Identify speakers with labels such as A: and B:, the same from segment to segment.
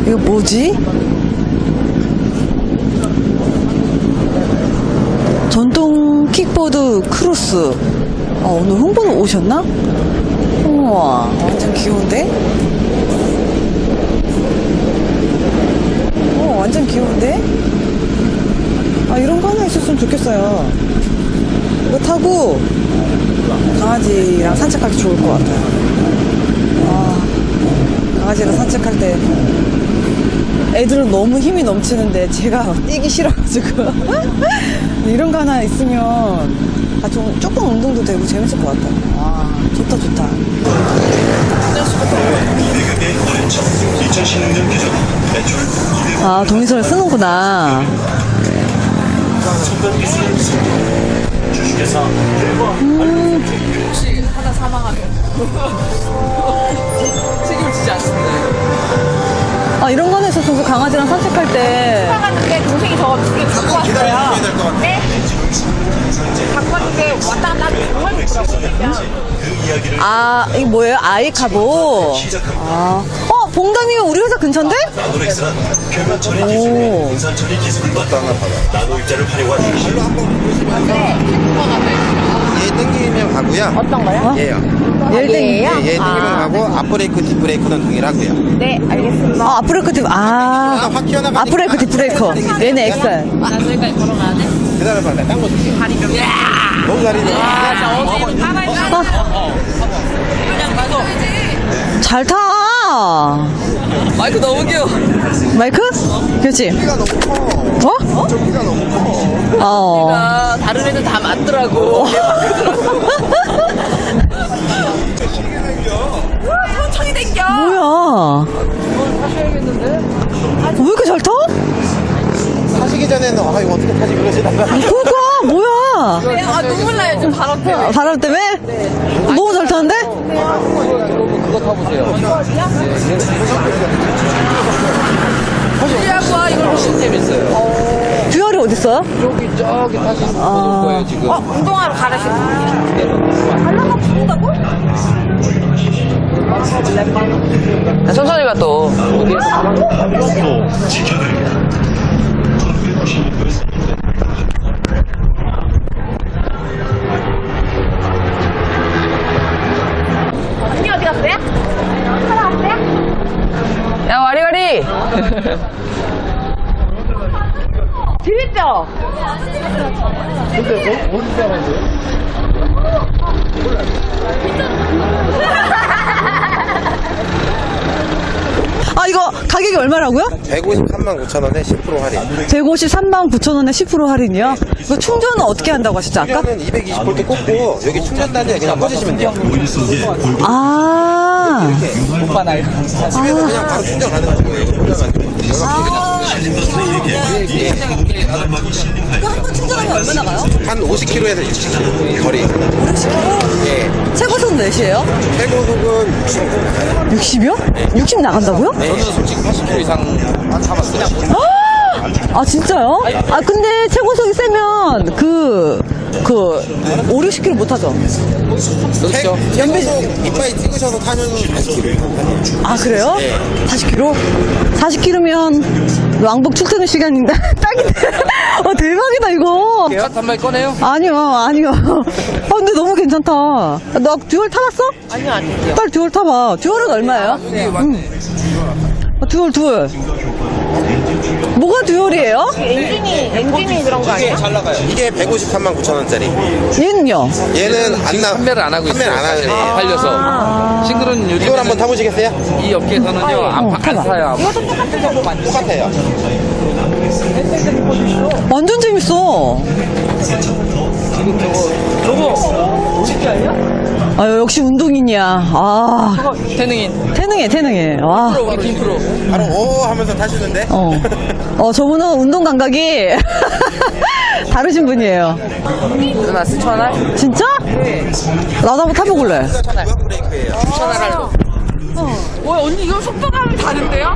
A: 이거 뭐지? 전통 킥보드 크로스. 오늘 홍보는 오셨나? 우와, 완전 귀여운데? 완전 귀여운데? 이런 거 하나 있었으면 좋겠어요. 이거 타고 강아지랑 산책하기 좋을 것 같아요. 강아지랑 산책할 때 애들은 너무 힘이 넘치는데 제가 뛰기 싫어가지고 이런 거 하나 있으면 조금 운동도 되고 재밌을 것 같아요. 좋다 좋다. 동의서를 쓰는구나.
B: 혹시 하나 사망하면 책임지지 않습니다.
A: 이런 거 하나 있었으면 강아지랑 산책할 때.
C: 사가는데 동생이 저거 두 개 갖고 왔어요. 네? 갖고 왔는데 왔다 갔다 하기 정말 좋더라고요.
A: 이거 뭐예요? 아이카보. 봉담이면 우리 회사 근처인데?
D: 나노렉스는 표면 처리 기술에 분산 처리 기술과 나노 입자를 활용한
E: 얘 땡기면 가고요.
C: 어떤 거요?
E: 얘요.
A: 얘를
C: 얘예요?
E: 얘 땡기면 가고 앞브레이크, 뒷브레이크는 동일하고요.
C: 네, 알겠습니다.
A: 앞브레이크,
E: 확 튀어나가니까.
A: 앞브레이크, 뒷브레이크. 얘는 엑셀.
B: 나중에까지 걸어가야 돼?
E: 기다려봐, 내가 딴거 줄게. 너무 잘해.
B: 그냥 가서
A: 잘 타.
B: 마이크 너무 귀여워.
A: 마이크? 그렇지.
E: 키가 너무 커. 저 키가 너무 커.
B: 다른 애들 다 맞더라고.
C: 천천히 댕겨.
A: 뭐야. 왜 이렇게 잘 타?
E: 타시기 전에는 이거 어떻게 타지 그러시다가.
A: 그러니까, 뭐야.
C: 눈물 나요, 지금 바람 때문에.
A: 바람 때문에? 너무 잘 타는데?
B: 그거 타보세요.
C: 하고 와, 이거.
B: 훨씬 재밌어요.
A: 듀얼이 어딨어요?
B: 저기 타시는 분 올 거예요, 지금.
C: 운동하러 가라시는 달라가 부른다고?
B: 천천히 가 또.
C: 언니 어디 갔어요? 살아왔어요?
B: 야, 와리와리!
C: 재밌죠?
E: 근데 뭐, 어디 사람인데요?
A: 이거 가격이 얼마라고요?
E: 153만 9천 원에 10% 할인.
A: 153만 9천 원에 10% 할인이요? 이거 충전은 어떻게 한다고 하셨죠, 아까?
E: 충전은 220V 꽂고 여기 충전단에 그냥 꽂으시면 돼요.
B: 오빠 나이.
E: 집에서 그냥 바로 충전 가능한 거예요. 꽂아가지고.
A: 한 번 충전하면 얼마 나가요?
E: 한 50km에서 60km 거리.
A: 60km?
E: 예.
A: 최고속 몇이에요?
E: 최고 속은 60km.
A: 60이요? 60 나간다고요?
E: 저는 솔직히 80km 이상 타봤어요.
A: 진짜요? 근데 최고속이 세면 5, 60km 못 하죠?
E: 그렇죠. 최고속 이빨 찍으셔서 타면 40km.
A: 그래요? 40km? 40km면 왕복 출퇴근 시간인데 딱이네. 대박이다 이거.
B: 한 마리 꺼내요?
A: 아니요. 근데 너무 괜찮다. 너 듀얼 타봤어?
B: 아니요.
A: 빨리 듀얼 타봐. 듀얼은 얼마예요? 듀얼. 뭐가 듀얼이에요?
C: 엔진이 그런 거 아니에요?
E: 잘 나가요. 이게 153만 9천 원짜리.
A: 얘는요?
E: 얘는
B: 판매를 안 하고 있어요.
E: 판매를 안 하네요.
B: 팔려서. 싱글은 요즘
E: 이걸 한번 타보시겠어요?
B: 이 업계에서는요, 안 사요.
E: 똑같아요.
A: 완전 재밌어.
B: 저거, 오십지 아니야?
A: 역시 운동인이야.
B: 태능인.
A: 태능해. 와.
B: 프로, 우리 팀 프로.
E: 바로 오 하면서 타시는데.
A: 저분은 운동 감각이 다르신 분이에요.
B: 누나 스천할?
A: 진짜? 네. 나도 한번 타보길래.
E: 브레이크예요.
B: 스천할로.
C: 언니 이거 속도감이 다른데요?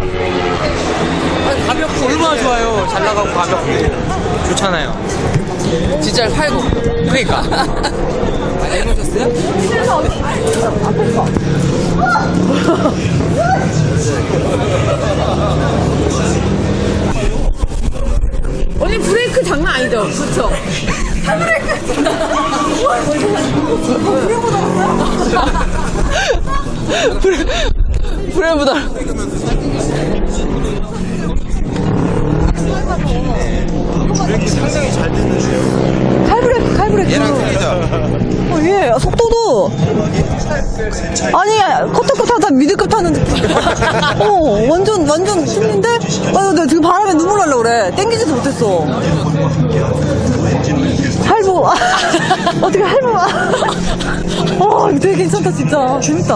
B: 가볍고 얼마나 좋아요. 잘 나가고 가볍고. 좋잖아요. 진짜 팔고. 그러니까. 많이 해보셨어요?
A: 완전 힘든데? 나 지금 바람에 눈물 나려고 그래. 땡기지도 못했어. 할부. 어떻게 할부. 이거 되게 괜찮다, 진짜. 재밌다.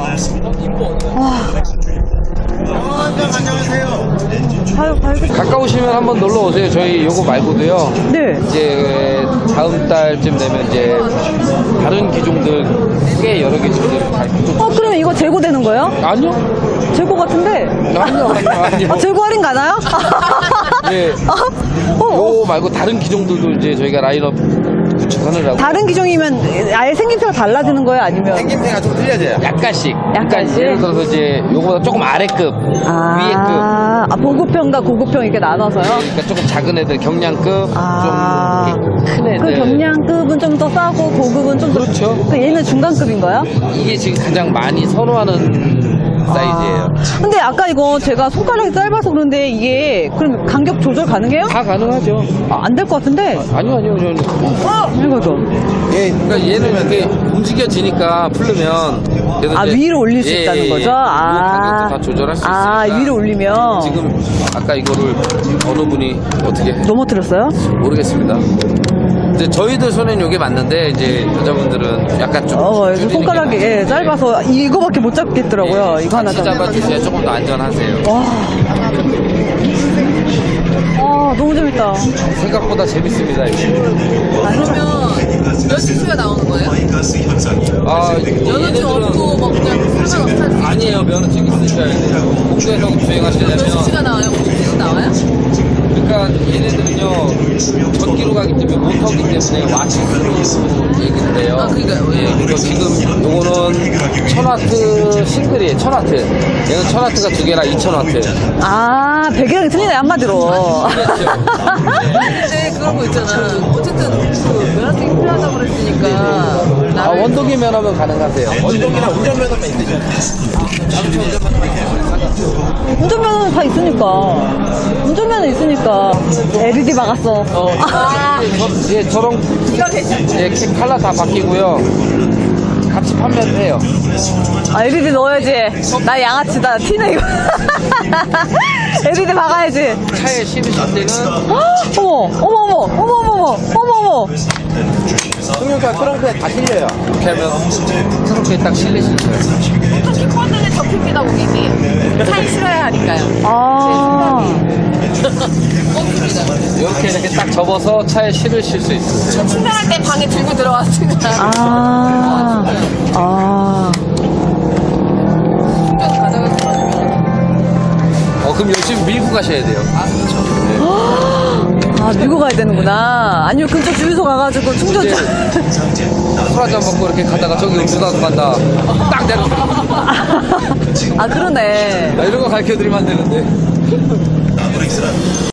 B: 가까우시면 한번 놀러 오세요. 저희 요거 말고도요.
A: 네.
B: 이제 다음 달쯤 되면 이제 다른 기종들 꽤 여러 개 지금 잘
A: 그럼 이거 재고되는 거예요?
B: 아니요.
A: 재고 같은데?
B: 아니요.
A: 재고 할인 가나요?
B: 네. 요 말고 다른 기종들도 이제 저희가 라인업 구축하느라고
A: 다른 기종이면 아예 생김새가 달라지는 거예요? 아니면?
D: 생김새가 좀 틀려져요.
B: 약간씩.
A: 약간씩?
B: 예를 들어서 이제 요거보다 조금 아래급, 위에급.
A: 보급형과 고급형 이렇게 나눠서요?
B: 그러니까 조금 작은 애들 경량급, 좀 이렇게 큰 애들.
A: 그 경량급은 좀 더 싸고 고급은 좀 더.
B: 그렇죠.
A: 얘는 중간급인가요?
B: 이게 지금 가장 많이 선호하는 사이즈예요.
A: 근데 아까 이거 제가 손가락이 짧아서 그런데 이게 그럼 간격 조절 가능해요?
B: 다 가능하죠.
A: 안 될 것 같은데?
B: 아니요.
A: 이거죠.
B: 예, 그러니까 얘는 이렇게 움직여지니까 풀르면 그래서 이제
A: 위로 올릴 수 있다는 거죠?
B: 요 간격도 다 조절할 수 있으니까
A: 위로 올리면.
B: 지금 아까 이거를 어느 분이 어떻게
A: 넘어뜨렸어요?
B: 모르겠습니다. 이제 저희들 손에는 이게 맞는데 이제 여자분들은 약간 좀 줄이는 게
A: 손가락이
B: 맞는데
A: 짧아서 이거밖에 못 잡겠더라고요. 이거 하나
B: 같이 잡아주셔야 조금 더 안전하세요.
A: 너무 재밌다.
B: 생각보다 재밌습니다. 이게.
C: 그러면 몇 시수가 나오는 거예요? 면허증 없고 뭐 그냥 상관없어요?
B: 아니에요. 면허증 있으셔야 돼요. 공도에서
C: 몇
B: 주행하시려면
C: 시수가 나와요? 5시수 나와요?
B: 그러니까 얘네들은요 전기로 가기 때문에 모터기 때문에 와트수로 얘기를 해요.
C: 그러니까요. 예.
B: 그리고 지금 요거는 1000와트 싱글이에요. 1000와트. 얘는 1000와트가 두 개라 2000와트.
A: 배기량이 틀리네, 한마디로.
C: 근데 그런 거 있잖아. 어쨌든 그 면허증이 필요하다고 그랬으니까.
B: 원동기 면허면 가능하세요.
D: 원동이나 운전면허만 있으죠.
A: 운전면허는 다 있으니까. 운전면허 있으니까. LED 박았어.
B: 예, 저런 예, 칼라 다 바뀌고요. 같이 판매를 해요.
A: LED 넣어야지. 나 양아치다. 티네, 이거. LED 박아야지.
B: 차에 실으실 때는
A: 어머.
D: 승용차 트렁크에 다 실려요.
B: 이렇게 하면 트렁크에 딱 실리실 거예요.
C: 어차피 코드는 접힙니다, 고객님. 차에 실어야 하니까요.
B: 이렇게 딱 접어서 차에 실으실 수 있어요.
C: 충전할 때 방에 들고 들어왔으니까.
B: 그럼 열심히 밀고 가셔야 돼요.
A: 밀고 가야 되는구나. 아니면 근처 주유소 가가지고 충전 좀.
B: 술 한잔 먹고 이렇게 가다가 저기 음주가서 간다. 딱 내려.
A: 그러네.
B: 이런 거 가르쳐 드리면 안 되는데.